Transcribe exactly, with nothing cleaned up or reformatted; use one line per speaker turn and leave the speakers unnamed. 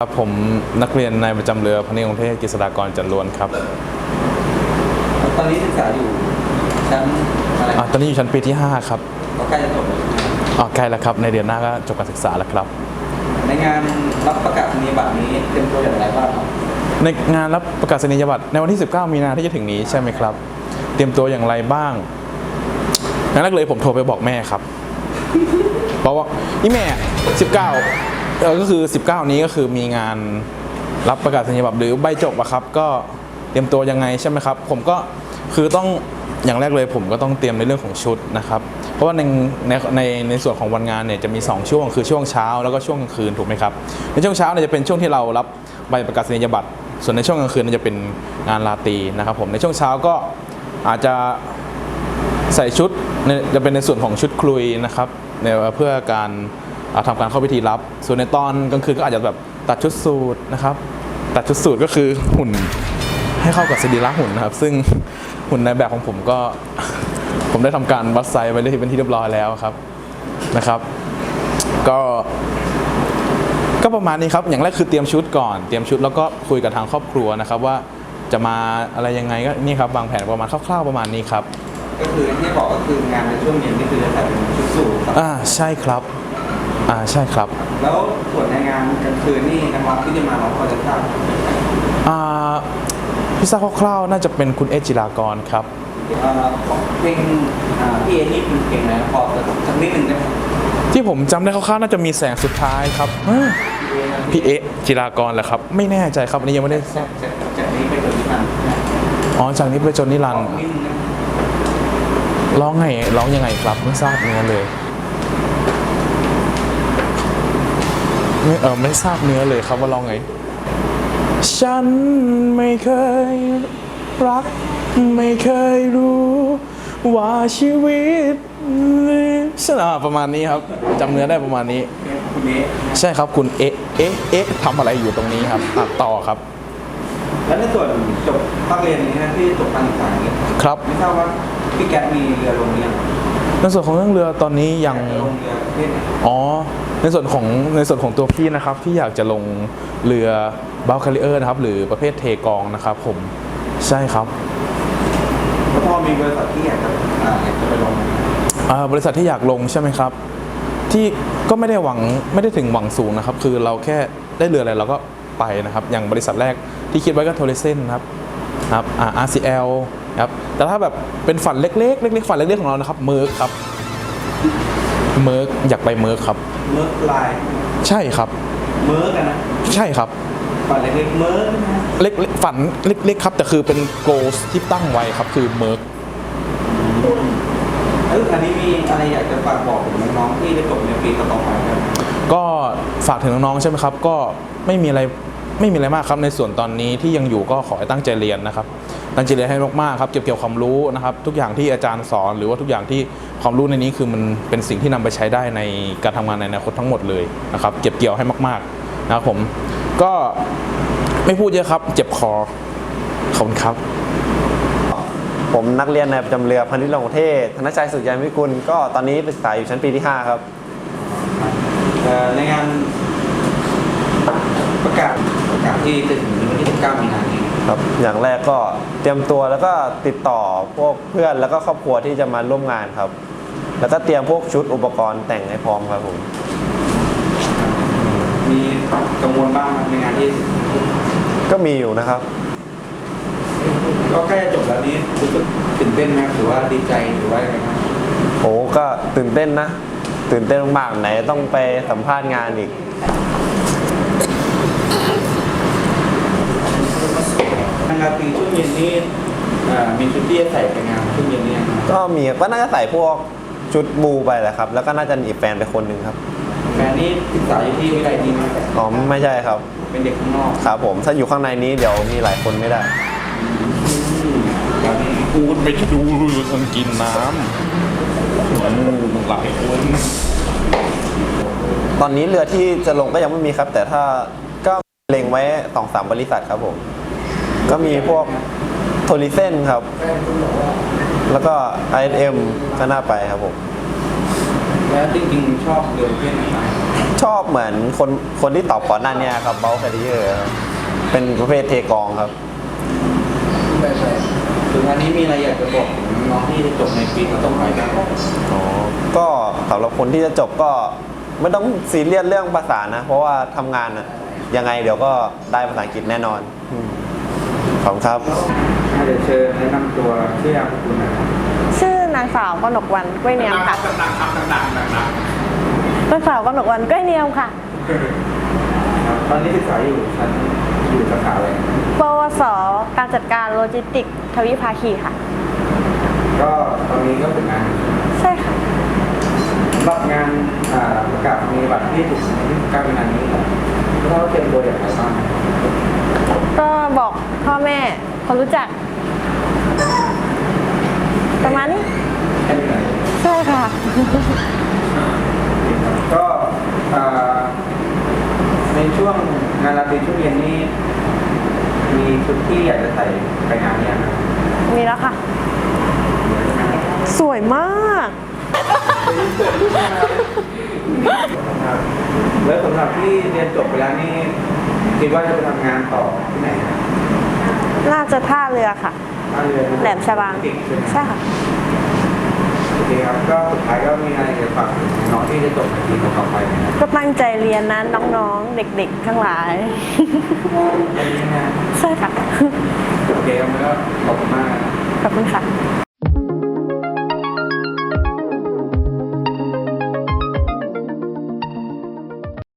ครับผมนักเรียนนายประจำเรือพนิษฐ์กรุงเทพกฤษฎากรจันล้วนครับ
ตอนนี้ศึกษาอยู่ชั้นอะไร
ตอนนี้อยู่ชั้นปีที่ห้าครับ
ก็ใกล้จะจบแล้ว
อ๋อใกล้แล้วครับในเดือนหน้าก็จบการศึกษาแล้วครับ
ในงานรับประกาศนียบัตรนี้เตรียมตัวอย่างไรบ้างครับ
ในงานรับประกาศนียบัตรในวันที่สิบเก้ามีนาที่จะถึงนี้ใช่ไหมครับเตรียมตัวอย่างไรบ้างงั้นแรกเลยผมโทรไปบอกแม่ครับบอกว่าอีแม่สิบเก้าเออก็คือสิบเก้านี้ก็คือมีงานรับประกาศนียบัตรหรือใบจบอะครับก็เตรียมตัวยังไงใช่ไหมครับผมก็คือต้องอย่างแรกเลยผมก็ต้องเตรียมในเรื่องของชุดนะครับเพราะว่าในในในในส่วนของวันงานเนี่ยจะมีสองช่วงคือช่วงเช้าแล้วก็ช่วงกลางคืนถูกไหมครับในช่วงเช้าเนี่ยจะเป็นช่วงที่เรารับใบประกาศนียบัตรส่วนในช่วงกลางคืนจะเป็นงานราตรีนะครับผมในช่วงเช้าก็อาจจะใส่ชุดจะเป็นในส่วนของชุดคลุยนะครับเพื่อการทำการเข้าพิธีรับส่วนในตอนกลางคืนก็อาจจะแบบตัดชุดสูทนะครับตัดชุดสูทก็คือหุ่นให้เข้ากับสรีระหุ่นนะครับซึ่งหุ่นในแบบของผมก็ผมได้ทำการวัดไซส์ไว้เป็นที่เรียบร้อยแล้วครับนะครับก็ก็ประมาณนี้ครับอย่างแรกคือเตรียมชุดก่อนเตรียมชุดแล้วก็คุยกับทางครอบครัวนะครับว่าจะมาอะไรยังไงก็นี่ครับวางแผนประมาณคร่าวๆประมาณนี้ครับ
ก็คือที่บอกก็คืองานในช่วงเย็นนี่คือจะใส่เป็นชุดสูท
อ่าใช่ครับอ่าใช่ครับ
แล้วส่วนในงานกลางคืนนี่นะครับที่จะมาเราพอจะทราบ
อ่าพี่ทราบคร่าวๆน่าจะเป็นคุณเอจิรากรครับ
เพลงพี่เอนี่เป็นเพลงอะไรพอจะสักนิดหนึ่งได้ไหม
ที่ผมจำได้คร่าวๆน่าจะมีแสงสุดท้ายครับพี่เอจิรากรแหละครับไม่แน่ใจครับอันนี้ยังไม่ได้
จากนี้ไปจนนิรันดร์
อ๋อจากนี้ไปจนนิรันดร์ร้องไงร้องยังไงครับไม่ทราบเนื้อเลยไม่เออไม่ทราบเนื้อเลยครับว่าร้องไงฉันไม่เคยรักไม่เคยรู้ว่าชีวิตใช่ประมาณนี้ครับจำเนื้อได้ประมาณนี้ใช่ครับคุณเอ๊ะเอ๊ะเอ๊ะทำอะไรอยู่ตรงนี้ครับต่อครับ
แล้วในส่วนจบภาคเรียนนี้นะที่จบการศึกษานี้
ครับ
ไม่ทราบว่าพี่แก๊สมีเรือลงเรือ
ในส่วนของเรื่องเรือตอนนี้ยังอ๋อในส่วนของในส่วนของตัวพี่นะครับที่อยากจะลงเรือบัลคาริเออร์นะครับหรือประเภทเทกองนะครับผมใช่ครับ
แล้วพอมีบริษัทที่อยากจะอยากจะไปลง
บริษัทที่อยากลงใช่ไหมครับที่ก็ไม่ได้หวังไม่ได้ถึงหวังสูงนะครับคือเราแค่ได้เรืออะไรเราก็ไปนะครับอย่างบริษัทแรกที่คิดไว้ก็โทรเซนครับครับ อาร์ ซี แอล ครับแต่ถ้าแบบเป็นฝันเล็กๆเล็กๆฝันเล็กๆของเรานะครับเมิร์กครับเมิร์กอยากไปเมิร์กครับ
เมิร์กไลน์
ใช่ครับ
เมิร์กนะ
ใช่ครับ
ฝันเล็กๆเมิร์กนะ
เล็กๆฝันเล็กๆครับแต่คือเป็นโกลที่ตั้งไว้ครับคือเมิร์ก
เอออันนี้มีอะไรอยากจะฝากบอกถึงน้องๆที่ได้จบในปีต่อไปครับ
ก็ฝากถึงน้องๆใช่ไหมครับก็ไม่มีอะไรไม่มีอะไรมากครับในส่วนตอนนี้ที่ยังอยู่ก็ขอให้ตั้งใจเรียนนะครับตั้งใจเรียนให้มากๆครับเก็บเกี่ยวความรู้นะครับทุกอย่างที่อาจารย์สอนหรือว่าทุกอย่างที่ความรู้ในนี้คือมันเป็นสิ่งที่นำไปใช้ได้ในการทำงานในอนาคตทั้งหมดเลยนะครับเก็บเกี่ยวให้มากๆนะครับผมก็ไม่พูดเยอะครับเจ็บคอขอบคุณครับ
ผมนักเรียนนายประจำเรือพนิษฐ์กรุงเทพธนชัยสุขยันวิกุลก็ตอนนี้ศึกษาอยู่ชั้นปีที่ห้าครับ
ในงานประกาศประกาศที่จะถึงวันที่สิบเก้ามีนาคมนี้
ครับอย่างแรกก็เตรียมตัวแล้วก็ติดต่อพวกเพื่อนแล้วก็ครอบครัวที่จะมาร่วมงานครับแล้วก็เตรียมพวกชุดอุปกรณ์แต่งให้พร้อมครับผม
มีกังวลบ้างในงานที่
ก็มีอยู่นะครับ
ก็ใกล้จะจบแล้วนี้รู้สึกตื่นเต้นไหมหรือว่าดีใจหรือว่าอะไรครับ
โอ้ก็ตื่นเต้นนะตื่นเต้นมากไหนต้องไปสัมภาษณ์งานอีก
งานปีช่วงเย็นนี้มีชุดที่จะใส่ไปงานช่วงเย็นนี้
ก็มีก็น่าจะใส่พวกชุดบูไปแหละครับแล้วก็น่าจะหนีแฟนไปคนหนึ่งครับ
แฟนนี่ศึกษาอยู่ที่วิทยาลัยนี้ไหม
อ๋อไม่ใช่ครับ
เป็นเด็กข้างนอก
ครับผมถ้าอยู่ข้างในนี้เดี๋ยวมีหลายคนไม่ได้
พูดไปดูคนกินน้ำหลายคน
ตอนนี้เรือที่จะลงก็ยังไม่มีครับแต่ถ้าก็เล็งไว้สองสามบริษัทครับผมก็มีพวกโทริเซนครับแล้วก็ ไอ เอส เอ็ม ก็น่าไปครับผม
แล้วจริงๆชอบเรียนเพศไหนบ้าง
ชอบเหมือนคนคนที่ตอบก่อนหน้านี้ครับเบลคาริเออร์เป็นประเภทเทกองครับ
แบบแบบถึงอันนี้มีอะไรอยากจะบอกถึงน้องที่จะจบในปีต่อไปบ้าง
อ๋อ ก็สำหรับคนที่จะจบก็ไม่ต้องซีเรียสเรื่องภาษานะ เพราะว่าทำงานอะยังไงเดี๋ยวก็ได้ภาษาอังกฤษแน่นอนอืมขอบคุณครับ
เดี๋ยวเชิญแนะนำตัวชื่อนามสกุลหนะครับ
ชื่อนางสาวกนกวรรณกล้วยเนียมค่ะ
ดังๆครับดังๆดัง
นางสาวกนกวรรณกล้วยเนียมค่ะ
ๆครับตอนนี้ศึกษาอยู่ชั้นอยู่สาขาอะไร
ปวส การจัดการโลจิสติกส์ทวิภาคีค่ะ
ก็ตอนนี้ก็เป็นงาน
ใช่ค่ะ
สำหรับงานอ่าประกาศมีบัตรที่ถูกที่การเป็นงานนี้ครับแล้วเราเตรียมตัวอย่างไรบ้าง
ก็บอกพ่อแม่คนรู้จัก ประมาณนี้
แค่นี้ไหน
ใช่ค่ะ
ก็อ่าในช่วงงานราตรีช่วงเย็นนี้มีชุดที่อยากจะใส่ไปงานเนี้นะ
มีแล้วค่ะ สวยมาก
แล้วสำหรับที่เรียนจบไปแล้วนี่คิดว่าจะไปทำงานต่อที่ไหนนะ
น่าจะท่าเรือค่ะ
ท่าเรือ
แหลมฉบัง
ติดใช่ไหม
ใช่ค่ะ
โอเคครับก็สุดท้ายก็มีอะไรจะฝากถึงน้องที่จะจบในปีต่อไปไหมครับ
ก็ตั้งใจเรียนนะน้องๆ เด็กๆ ทั้งหลาย
แค่นี้นะ
ใช่ค่ะ
โอเคครับแล้วก็ขอบคุณมากนะครับ
ขอบคุณค่ะ